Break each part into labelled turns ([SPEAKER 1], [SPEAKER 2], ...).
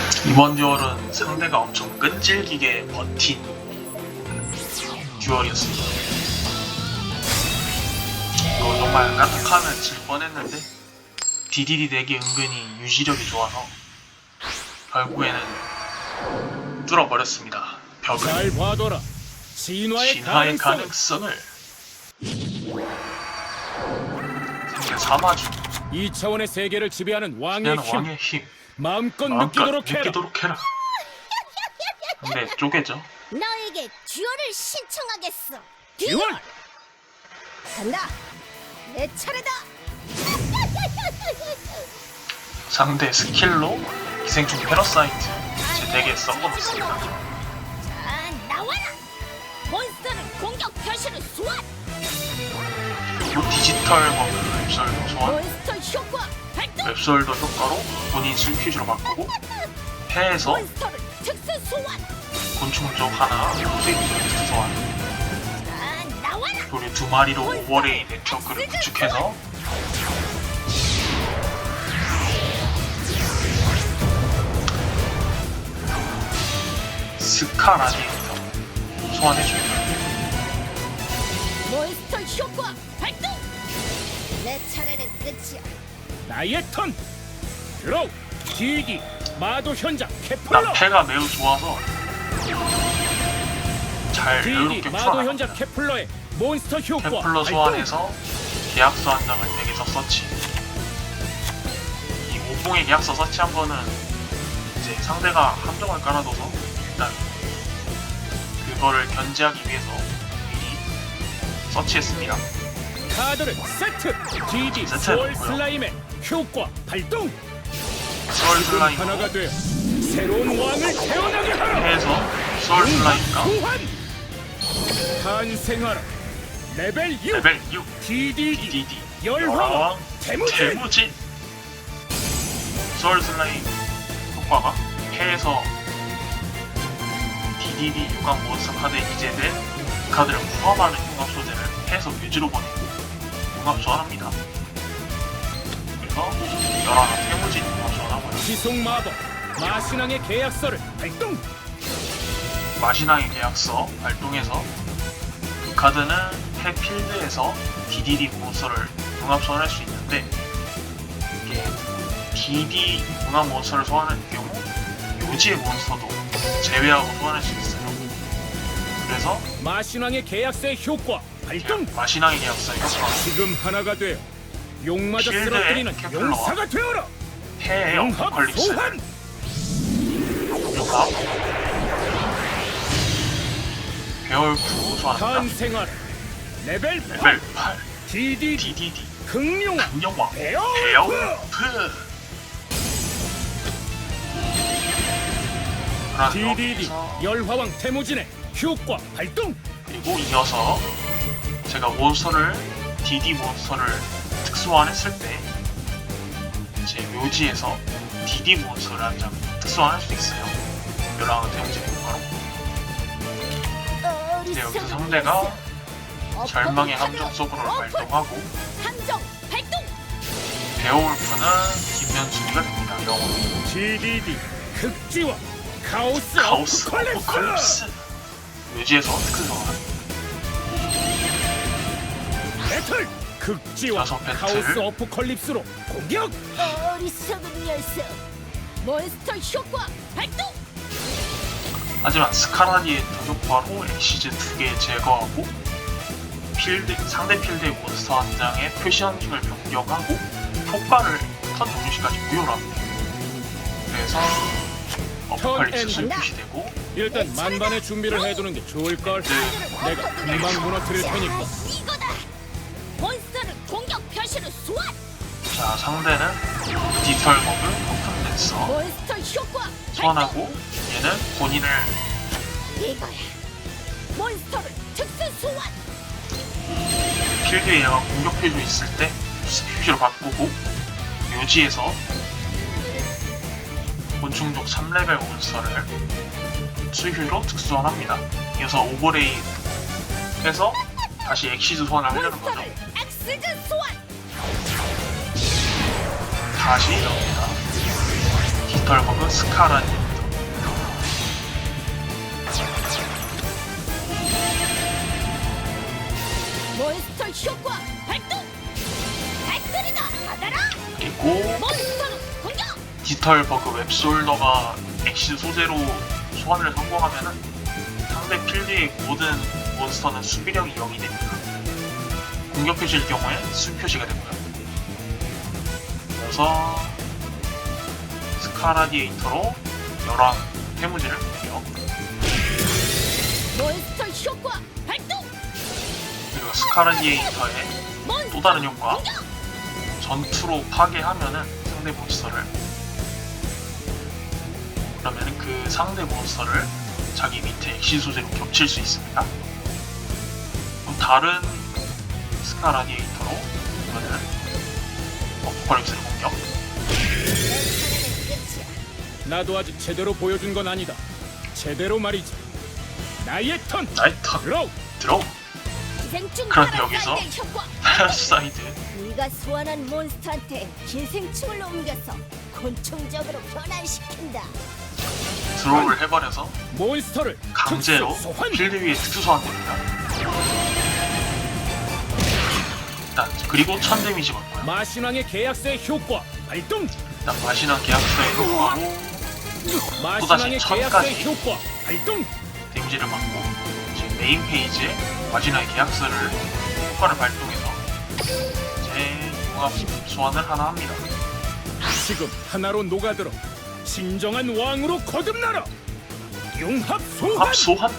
[SPEAKER 1] 이번 듀얼은 상대가 엄청 끈질기게 버틴 듀얼이었습니다. 이거 정말 까딱하면 질 뻔했는데 DDD 덱이 은근히 유지력이 좋아서 결국에는 뚫어버렸습니다. 벽을.
[SPEAKER 2] 잘 봐둬라. 진화의
[SPEAKER 1] 가능성을. 상대 사마주.
[SPEAKER 2] 2차원의 세계를 지배하는 왕의
[SPEAKER 1] 그냥
[SPEAKER 2] 힘.
[SPEAKER 1] 왕의 힘.
[SPEAKER 2] 마음껏 느끼도록 해라.
[SPEAKER 1] 근데 쪼개죠.
[SPEAKER 3] 너에게 듀얼을 신청하겠어.
[SPEAKER 2] 듀얼!
[SPEAKER 3] 간다. 내 차례다.
[SPEAKER 1] 상대 스킬로 기생충 패러사이트 제 덱에 썩어놓습니다.
[SPEAKER 3] 자, 나와라. 몬스터를 공격 표시를 소환.
[SPEAKER 1] 그리고 디지털 버그 웹솔도 소환.
[SPEAKER 3] 몬스터 효과 발동.
[SPEAKER 1] 웹솔도 효과로 본인 슬퀴즈로 바꾸고 해에서
[SPEAKER 3] 몬스터를 특수 소환.
[SPEAKER 1] 곤충 쪽 하나 스위트 소환.
[SPEAKER 3] 자, 나와라.
[SPEAKER 1] 그리고 두 마리로 오버레이 네트워크를 구축해서 스카라디에이터 소환해줍니다.
[SPEAKER 3] 몬스터 효과 발동. 내 차례는 끝이야.
[SPEAKER 2] 나의 턴. 드로우. 기기. 마도 현장 케플러.
[SPEAKER 1] 나 패가 매우 좋아서 잘
[SPEAKER 2] 기기.
[SPEAKER 1] 여유롭게
[SPEAKER 2] 마도 현장
[SPEAKER 1] 풀어나갑니다.
[SPEAKER 2] 케플러의 몬스터 효과
[SPEAKER 1] 케플러
[SPEAKER 2] 발동.
[SPEAKER 1] 소환해서 계약서 한 장을 덱에서 서치. 이 오봉의 계약서 서치 한 번은 이제 상대가 함정을 깔아둬서 일단 그거를 견제하기 위해서 미리 서치했습니다.
[SPEAKER 2] 카드를 세트. 기기.
[SPEAKER 1] 세트
[SPEAKER 2] 스월
[SPEAKER 1] 해놓고요.
[SPEAKER 2] 슬라임의 효과 발동.
[SPEAKER 1] 스월
[SPEAKER 2] 지금
[SPEAKER 1] 슬라임으로
[SPEAKER 2] 하나가 되어 새로운 왕을 태어나게 하라.
[SPEAKER 1] 해서 스월 슬라임과
[SPEAKER 2] 소환. 탄생하라. 레벨 6.
[SPEAKER 1] 레벨 6
[SPEAKER 2] DDD.
[SPEAKER 1] DDD
[SPEAKER 2] 열화왕
[SPEAKER 1] 태무진
[SPEAKER 2] 태무진.
[SPEAKER 1] 스월 슬라임 효과가 해에서 DDD 유광 몬스터 카드에 기재된 카드를 포함하는 융합 소재를 해에서 뮤즈로 보내고 융합 소환합니다. 그래서 열화왕 태무진 융합 소환하고요.
[SPEAKER 2] 지속 마법. 마신왕의 계약서를 발동.
[SPEAKER 1] 마시나의 계약서 발동해서 그 카드는 해 필드에서 DDD 몬스터를 융합 소환할 수 있는데 이게 DD 융합 몬스터를 소환할 경우 요지의 몬스터도 제외하고 소환할 수 있어요. 그래서
[SPEAKER 2] 마신왕의 계약서의 효과 발동.
[SPEAKER 1] 마시나의 계약서의 효과가
[SPEAKER 2] 지금 하나가 되어 용마저
[SPEAKER 1] 필드의
[SPEAKER 2] 쓰러뜨리는
[SPEAKER 1] 케플러와
[SPEAKER 2] 용사가 되어라.
[SPEAKER 1] 해의
[SPEAKER 2] 용합
[SPEAKER 1] 어퍼컬립스
[SPEAKER 2] 소환.
[SPEAKER 1] 융합 배월구 소환합니다.
[SPEAKER 2] 탄생하라. 레벨 8.
[SPEAKER 1] 레벨 8
[SPEAKER 2] DDD.
[SPEAKER 1] DDD
[SPEAKER 2] 극룡왕
[SPEAKER 1] 강력왕
[SPEAKER 2] 베어울프.
[SPEAKER 1] 베어울프
[SPEAKER 2] DDD
[SPEAKER 1] 여기서
[SPEAKER 2] 열화왕 태무진의 효과 발동.
[SPEAKER 1] 그리고 이어서 제가 몬스터를 DD 몬스터를 특수화했을 때 제 묘지에서 DD 몬스터를 한 장 특수화할 수 있어요. 열화왕 태무진의 효과로. 근데 여기서 상대가 절망의 함정 서브를 발동하고
[SPEAKER 3] 함정 발동.
[SPEAKER 1] 베어울프는 뒷면 수비가 됩니다. 영어로
[SPEAKER 2] DDD 극지와 카오스
[SPEAKER 1] 카오스
[SPEAKER 2] 어포칼립스.
[SPEAKER 1] 어포칼립스 묘지에서 특수화
[SPEAKER 2] 배틀 극지와
[SPEAKER 1] 여섯 배틀.
[SPEAKER 2] 카오스 어포칼립스로 공격.
[SPEAKER 3] 어리석은 녀석. 몬스터 효과 발동.
[SPEAKER 1] 하지만 스카라디의 효과로 엑시즈 2개 제거하고 상대 필드의 몬스터 한 장의 표시 환경을 변경하고 효과를 턴 종료시까지 무효로 합니다. 그래서 어포칼립스는
[SPEAKER 3] 턴
[SPEAKER 1] 표시되고
[SPEAKER 2] 일단 만반의 준비를 해두는 게 좋을 걸. 내가 금방 무너뜨릴 테니까.
[SPEAKER 3] 이거다. 몬스터를 공격 표시를 소환.
[SPEAKER 1] 자 상대는 디지털 버그 폭풍 댄서
[SPEAKER 3] 몬스터 효과
[SPEAKER 1] 소환하고 얘는 본인을
[SPEAKER 3] 이거야. 몬스터를 특수 소환.
[SPEAKER 1] 필드에 얘가 공격 표시 있을 때 표시로 바꾸고 묘지에서 곤충족 3레벨 몬스터를 수휴로 특수소환합니다. 이어서 오버레이 해서 다시 엑시즈 소환을 하려는 거죠.
[SPEAKER 3] 몬스터를 엑스즈 소환.
[SPEAKER 1] 다시 여기다 깃털버그 스카라니입니다.
[SPEAKER 3] 몬스터 효과 발동. 배터리다 받아라.
[SPEAKER 1] 그리고
[SPEAKER 3] 몬스터는 공격.
[SPEAKER 1] 깃털버그 웹솔더가 엑시 소재로 소환을 성공하면은 상대 필드의 모든 몬스터는 수비력이 0이 됩니다. 공격 표시일 경우에 수 표시가 되고요. 그래서 스카라디에이터로 열왕 해무지를 공격.
[SPEAKER 3] 몬스터 효과 발동.
[SPEAKER 1] 그리고 스카라디에이터의
[SPEAKER 3] 몬스터
[SPEAKER 1] 또 다른 효과,
[SPEAKER 3] 공격.
[SPEAKER 1] 전투로 파괴하면은 상대 몬스터를, 그러면은 그 상대 몬스터를 자기 밑에 엑시 소재로 겹칠 수 있습니다. 그럼 다른 스카라디에이터로 이거는 어포칼립스를 공격.
[SPEAKER 3] 내 차례는 끝이야.
[SPEAKER 2] 나도 아직 제대로 보여준 건 아니다. 제대로 말이지. 나의 턴.
[SPEAKER 1] 나의 턴
[SPEAKER 2] 드로우.
[SPEAKER 1] 들어.
[SPEAKER 3] 기생충
[SPEAKER 1] 그런데 여기서
[SPEAKER 3] 파라사이드의 효과.
[SPEAKER 1] 패러사이드
[SPEAKER 3] 네가 소환한 몬스터한테 기생충을 옮겨서 곤충적으로 변환시킨다.
[SPEAKER 1] 드로우를 해버려서
[SPEAKER 2] 몬스터를
[SPEAKER 1] 강제로
[SPEAKER 2] 특수 소환.
[SPEAKER 1] 필드 위에 특수 소환됩니다. 일단 그리고 1000 데미지 받고요.
[SPEAKER 2] 마신왕의 계약서의 효과 발동.
[SPEAKER 1] 일단 마신한 계약서의 효과로
[SPEAKER 2] 마신왕의
[SPEAKER 1] 천까지.
[SPEAKER 2] 계약서의 효과 발동.
[SPEAKER 1] 데미지를 받고 이제 메인 페이지에 마지막에 계약서를 효과를 발동해서 이제 융합 소환을 하나 합니다.
[SPEAKER 2] 지금 하나로 녹아들어 진정한 왕으로 거듭나라. 융합 소환.
[SPEAKER 1] 합 소환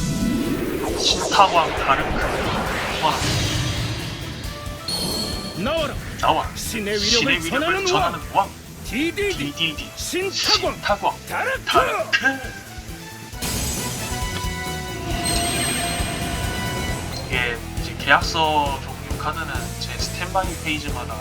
[SPEAKER 1] 신타광 다르크 소환합니다.
[SPEAKER 2] 나와라.
[SPEAKER 1] 나와
[SPEAKER 2] 신의
[SPEAKER 1] 신의
[SPEAKER 2] 위력을
[SPEAKER 1] 위력을
[SPEAKER 2] 전하는
[SPEAKER 1] 전하는
[SPEAKER 2] 왕.
[SPEAKER 1] 왕
[SPEAKER 2] DDD
[SPEAKER 1] DDD
[SPEAKER 2] 신타광
[SPEAKER 1] 신타광
[SPEAKER 2] 다르크.
[SPEAKER 1] 다르크. 이게 이제 계약서 종류 카드는 제 스탠바이 페이지마다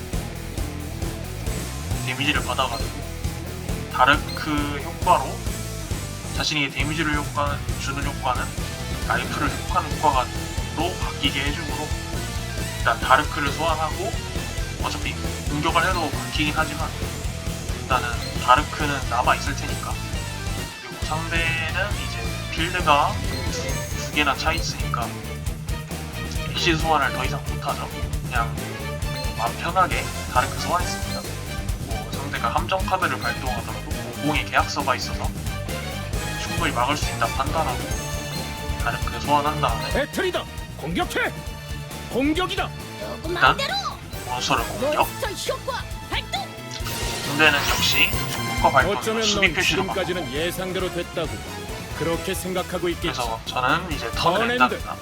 [SPEAKER 1] 데미지를 받아가지고 다르크 효과로 자신에게 데미지를 주는 효과는 라이프를 효과하는 효과로 바뀌게 해주므로 일단 다르크를 소환하고 어차피 공격을 해도 바뀌긴 하지만 일단은 다르크는 남아있을 테니까. 그리고 상대는 이제 필드가 두 개나 차 있으니까 엑시 소환을 더 이상 못하죠. 그냥 마음 편하게 다르크 소환했습니다. 뭐 상대가 함정 카드를 발동하더라도 공공의 계약서가 있어서 충분히 막을 수 있다 판단하고 다르크 소환한 다음에
[SPEAKER 2] 배틀이다. 공격해. 공격이다.
[SPEAKER 3] 누구 마음대로.
[SPEAKER 1] 몬스터를 공격.
[SPEAKER 3] 몬스터 효과 발동.
[SPEAKER 1] 상대는 역시 효과 발동으로
[SPEAKER 2] 어쩌면
[SPEAKER 1] 수비
[SPEAKER 2] 넌
[SPEAKER 1] 표시로 받고,
[SPEAKER 2] 지금까지는 예상대로 됐다고 그렇게 생각하고 있겠지.
[SPEAKER 1] 그래서 저는 이제 턴을
[SPEAKER 2] 턴엔드.
[SPEAKER 1] 했답니다.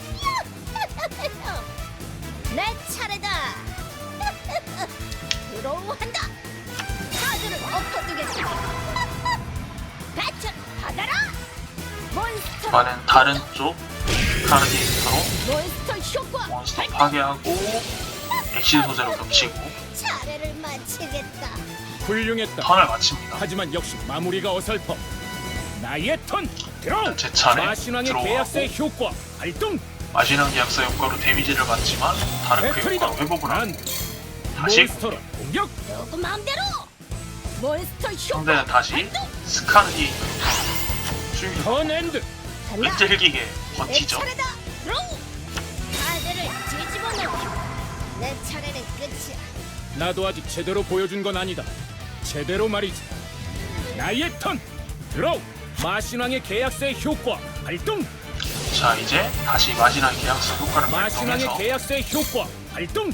[SPEAKER 3] 내 차례다. 드로우한다. 카드를 엎어두겠다. 배출 받아라. 몬스터.
[SPEAKER 1] 이번엔 다른 쪽 카르디에이터로
[SPEAKER 3] 몬스터 효과
[SPEAKER 1] 몬스터
[SPEAKER 3] 발동.
[SPEAKER 1] 파괴하고 엑시 소재로 겹치고
[SPEAKER 3] 차례를 마치겠다.
[SPEAKER 2] 훌륭했다.
[SPEAKER 1] 턴을 마칩니다.
[SPEAKER 2] 하지만 역시 마무리가 어설퍼. 나의 턴. 드로우.
[SPEAKER 1] 제 차례
[SPEAKER 2] 마신왕의
[SPEAKER 1] 들어오고
[SPEAKER 2] 계약서의 효과 발동.
[SPEAKER 1] 마지막 계약서 효과로 데미지를 받지만 다르크
[SPEAKER 2] 배틀이다.
[SPEAKER 1] 효과로 회복을 하고
[SPEAKER 2] 난
[SPEAKER 1] 다시
[SPEAKER 2] 몬스터로 공격.
[SPEAKER 3] 누구 마음대로. 몬스터
[SPEAKER 1] 상대는
[SPEAKER 3] 효과
[SPEAKER 1] 다시
[SPEAKER 3] 발동.
[SPEAKER 1] 스카르디에이터 수비
[SPEAKER 2] 턴엔드.
[SPEAKER 3] 간다.
[SPEAKER 1] 끈질기게
[SPEAKER 3] 내
[SPEAKER 1] 버티죠.
[SPEAKER 3] 차례다. 드로우. 카드를 뒤집어 놓기. 내 차례는 끝이야.
[SPEAKER 2] 나도 아직 제대로 보여준 건 아니다. 제대로 말이지. 나의 턴. 드로우. 마신왕의 계약서의 효과 발동.
[SPEAKER 1] 자 이제 다시 마지막 계약서 효과를
[SPEAKER 2] 마신왕의
[SPEAKER 1] 발동해서
[SPEAKER 2] 계약서의 효과 발동.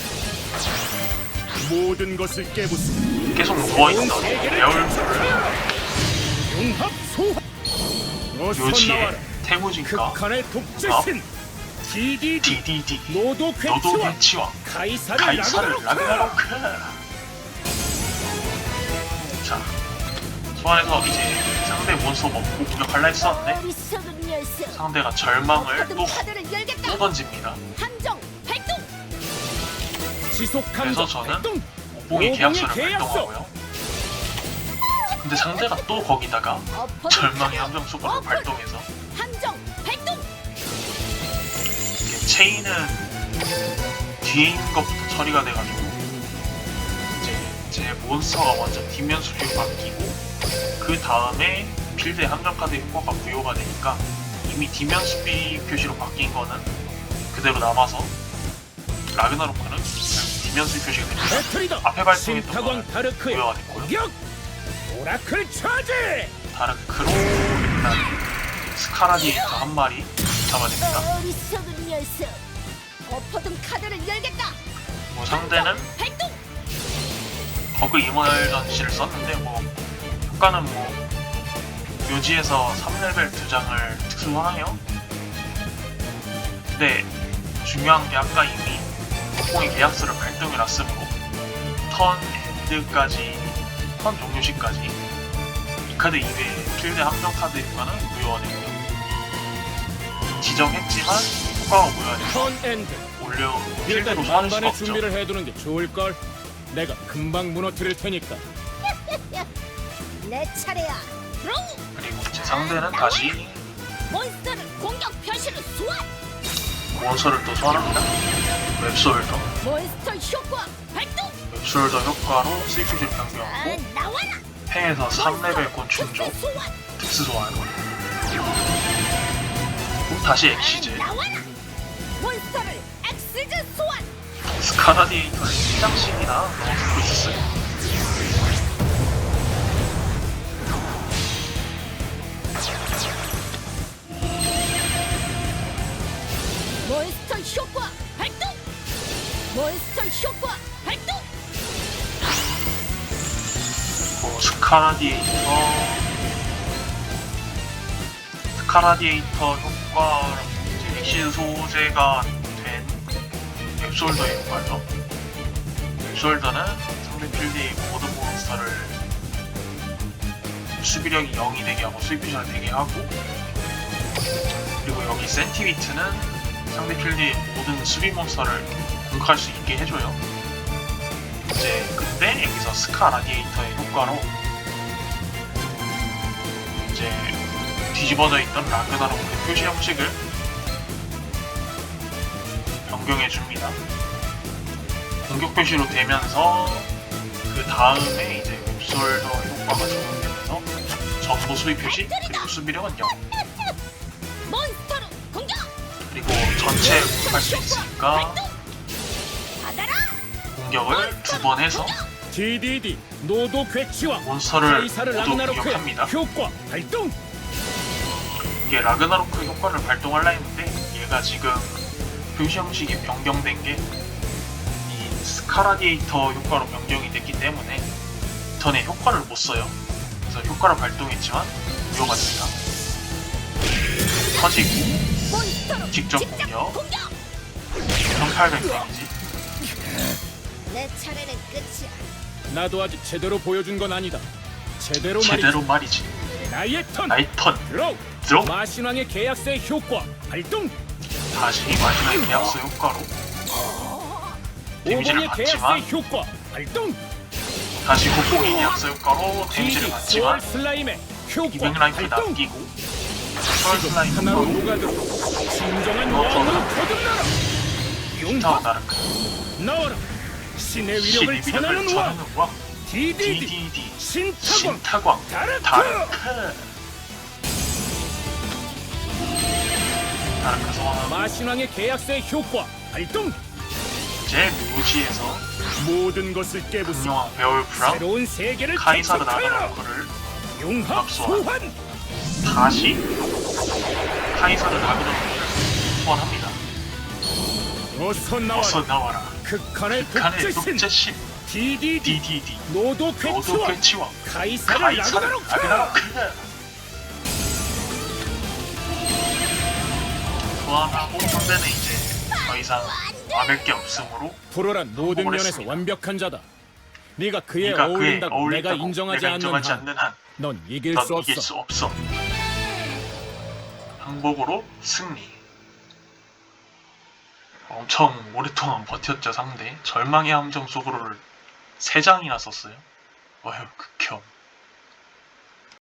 [SPEAKER 2] 모든 것을 깨부수.
[SPEAKER 1] 계속 누워있던 레얼물을
[SPEAKER 2] 융합 소환. 어서
[SPEAKER 1] 묘지에
[SPEAKER 2] 나와라.
[SPEAKER 1] 태무진과
[SPEAKER 2] 극한의 독재신. DDD.
[SPEAKER 1] DDD
[SPEAKER 2] 노도
[SPEAKER 1] 노도
[SPEAKER 2] 괴치왕.
[SPEAKER 1] 배치왕
[SPEAKER 2] 가이사를
[SPEAKER 1] 가이사를
[SPEAKER 2] 라그나로크.
[SPEAKER 1] 라그나로크. 자 소환해서 이제 상대 몬스터 먹고 공격할라 했었는데
[SPEAKER 3] 어리석은 녀석.
[SPEAKER 1] 상대가 절망을
[SPEAKER 3] 어떤
[SPEAKER 1] 또
[SPEAKER 3] 카드를 열겠다.
[SPEAKER 1] 던집니다.
[SPEAKER 3] 함정 발동.
[SPEAKER 2] 지속
[SPEAKER 1] 그래서
[SPEAKER 2] 감정
[SPEAKER 1] 저는
[SPEAKER 2] 발동.
[SPEAKER 1] 오봉의 계약서를
[SPEAKER 2] 계약서.
[SPEAKER 1] 발동하고요. 근데 상대가 또 거기다가
[SPEAKER 3] 엎어둔
[SPEAKER 1] 절망의
[SPEAKER 3] 카드.
[SPEAKER 1] 함정 수거를
[SPEAKER 3] 엎어.
[SPEAKER 1] 발동해서
[SPEAKER 3] 함정 발동.
[SPEAKER 1] 이게 체인은 뒤에 있는 것부터 처리가 돼가지고 이제 제 몬스터가 먼저 뒷면 수비로 바뀌고 그 다음에 필드의 함정 카드 효과가 부여가 되니까 이미 뒷면 수비 표시로 바뀐 거는 그대로 남아서 라그나로크는 결국 뒷면 수비 표시가 됩니다.
[SPEAKER 2] 배틀이다.
[SPEAKER 1] 앞에 발동했던
[SPEAKER 2] 신타광
[SPEAKER 1] 거는
[SPEAKER 2] 다르크의
[SPEAKER 1] 부여가 됐고요.
[SPEAKER 2] 공격. 오라클 차지.
[SPEAKER 1] 다르크로 일단 스카라디에이터 한 마리 잡아냅니다.
[SPEAKER 3] 어리석은 녀석. 엎어둔 카드를 열겠다.
[SPEAKER 1] 뭐 상대는
[SPEAKER 3] 발동.
[SPEAKER 1] 버그 이머전시를 썼는데 뭐 효과는 뭐 묘지에서 3레벨 2장을 특수화하네요. 근데 중요한 게 아까 이미 폭공의 계약서를 발동해놨으므로 턴 엔드까지 턴 종료 시까지 이 카드 이외에 필드 함정 카드 효과는 무효가 됩니다. 지정했지만 효과가 무효가 돼서
[SPEAKER 2] 턴 엔드.
[SPEAKER 1] 올려
[SPEAKER 2] 일단
[SPEAKER 1] 필드로 소환할 수가
[SPEAKER 2] 만반의
[SPEAKER 1] 없죠.
[SPEAKER 2] 준비를 해두는 게 좋을 걸. 내가 금방 무너뜨릴 테니까.
[SPEAKER 3] 내 차례야. 드로우.
[SPEAKER 1] 그리고 제 상대는 다시
[SPEAKER 3] 몬스터를 공격 표시로 소환.
[SPEAKER 1] 몬스터를 또 소환합니다. 웹솔더.
[SPEAKER 3] 몬스터 효과 발동.
[SPEAKER 1] 웹솔더 효과로 스위프를 변경하고
[SPEAKER 3] 나와라.
[SPEAKER 1] 팽에서 3레벨 곤충조
[SPEAKER 3] 특수 소환.
[SPEAKER 1] 특수 소환. 그리고 다시 엑시즈.
[SPEAKER 3] 나와라. 몬스터를 엑시즈 소환.
[SPEAKER 1] 스카라디에이터를 1장씩이나 넣어주고 있었어요.
[SPEAKER 3] 몬스터 효과 발동. 몬스터 효과 발동.
[SPEAKER 1] 그리고 스카라디에이터 효과 이제 엑시즈 소재가 된 웹솔더의 효과죠. 웹솔더는 상대 필드의 모든 몬스터를 수비력이 0이 되게 하고 수입피션을 되게 하고, 그리고 여기 센티비트는 상대 필드의 모든 수비 몬스터를 공격할 수 있게 해줘요. 이제 근데 여기서 스카 라디에이터의 효과로 이제 뒤집어져 있던 라그나로크의 표시 형식을 변경해 줍니다. 공격 표시로 되면서 그 다음에 이제 웹솔더 효과가 적용되면서 전부 수비 표시 그리고 수비력은 0.
[SPEAKER 3] 몬스터로 공격.
[SPEAKER 1] 그리고 전체 공격할 수 있으니까
[SPEAKER 3] 받아라.
[SPEAKER 1] 공격을 2번 해서
[SPEAKER 2] DDD 노도 괴치와
[SPEAKER 1] 몬스터를
[SPEAKER 2] 카이사르
[SPEAKER 1] 모두
[SPEAKER 2] 라그나로크의
[SPEAKER 1] 공격합니다.
[SPEAKER 2] 효과 발동.
[SPEAKER 1] 이게 라그나로크 효과를 발동하려 했는데 얘가 지금 표시 형식이 변경된 게 이 스카라디에이터 효과로 변경이 됐기 때문에 전에 효과를 못 써요. 그래서 효과를 발동했지만 무효가 됩니다. 터지고
[SPEAKER 3] 몬스터로
[SPEAKER 1] 직접 공격 1800 데미지.
[SPEAKER 3] 내 차례는 끝이야.
[SPEAKER 2] 나도 아직 제대로 보여준 건 아니다. 제대로
[SPEAKER 1] 제대로
[SPEAKER 2] 말이지.
[SPEAKER 1] 말이지.
[SPEAKER 2] 나의 턴.
[SPEAKER 1] 나의 턴.
[SPEAKER 2] 드로우.
[SPEAKER 1] 드로우.
[SPEAKER 2] 마신왕의 계약서의 효과 발동.
[SPEAKER 1] 다시 마지막 계약서 효과로 데미지를
[SPEAKER 2] 오봉의
[SPEAKER 1] 받지만
[SPEAKER 2] 계약서의 효과 발동.
[SPEAKER 1] 다시 곡곡이 계약서 효과로 데미지를
[SPEAKER 2] DD
[SPEAKER 1] 받지만
[SPEAKER 2] 소울 슬라임의 효과
[SPEAKER 1] 200 라이프
[SPEAKER 2] 발동.
[SPEAKER 1] 남기고 소울 슬라임
[SPEAKER 2] 하나로
[SPEAKER 1] 효과로
[SPEAKER 2] 녹아들어 진정한
[SPEAKER 1] 이거
[SPEAKER 2] 왕으로 거듭나라.
[SPEAKER 1] 타워
[SPEAKER 2] 용합
[SPEAKER 1] 나르크
[SPEAKER 2] 나와라. 신의 위력을
[SPEAKER 1] 신의
[SPEAKER 2] 전하는
[SPEAKER 1] 위력을
[SPEAKER 2] 왕
[SPEAKER 1] 전하는 왕
[SPEAKER 2] DDD
[SPEAKER 1] DDD
[SPEAKER 2] 신타광
[SPEAKER 1] 신타광
[SPEAKER 2] 다르크.
[SPEAKER 1] 다르크 다르크 소환하고
[SPEAKER 2] 마신왕의 계약서의 효과 발동.
[SPEAKER 1] 이제 묘지에서
[SPEAKER 2] 모든 것을 깨부수
[SPEAKER 1] 분명한 베올프랑
[SPEAKER 2] 새로운 세계를
[SPEAKER 1] 카이사르
[SPEAKER 2] 개척하여
[SPEAKER 1] 라그나로크를
[SPEAKER 2] 융합
[SPEAKER 1] 압수하고.
[SPEAKER 2] 소환.
[SPEAKER 1] 다시 카이사르 라그나로크를 소환합니다.
[SPEAKER 2] 어서 나와라.
[SPEAKER 1] 어서 나와라.
[SPEAKER 2] 극한의
[SPEAKER 1] 북한의
[SPEAKER 2] 독재신
[SPEAKER 1] 독재신
[SPEAKER 2] DDD
[SPEAKER 1] DDD
[SPEAKER 2] 노도
[SPEAKER 1] 노도
[SPEAKER 2] 괴치와
[SPEAKER 1] 괴치와
[SPEAKER 2] 카이사르
[SPEAKER 1] 카이사르
[SPEAKER 2] 라그나로크.
[SPEAKER 1] 라그나로크 소환하고 상대는 이제 더 이상 막을 게 없으므로
[SPEAKER 2] 프로란 모든
[SPEAKER 1] 성공을
[SPEAKER 2] 면에서
[SPEAKER 1] 했습니다.
[SPEAKER 2] 완벽한 자다. 네가 그에
[SPEAKER 1] 네가 그에
[SPEAKER 2] 어울린다고
[SPEAKER 1] 어울린다고
[SPEAKER 2] 내가 인정하지 않는 한,
[SPEAKER 1] 한
[SPEAKER 2] 넌 이길
[SPEAKER 1] 넌
[SPEAKER 2] 수
[SPEAKER 1] 이길
[SPEAKER 2] 없어.
[SPEAKER 1] 수 없어. 항복으로 승리. 엄청 오랫동안 버텼죠 상대. 절망의 함정 속으로를 3장이나 썼어요. 어휴 극혐.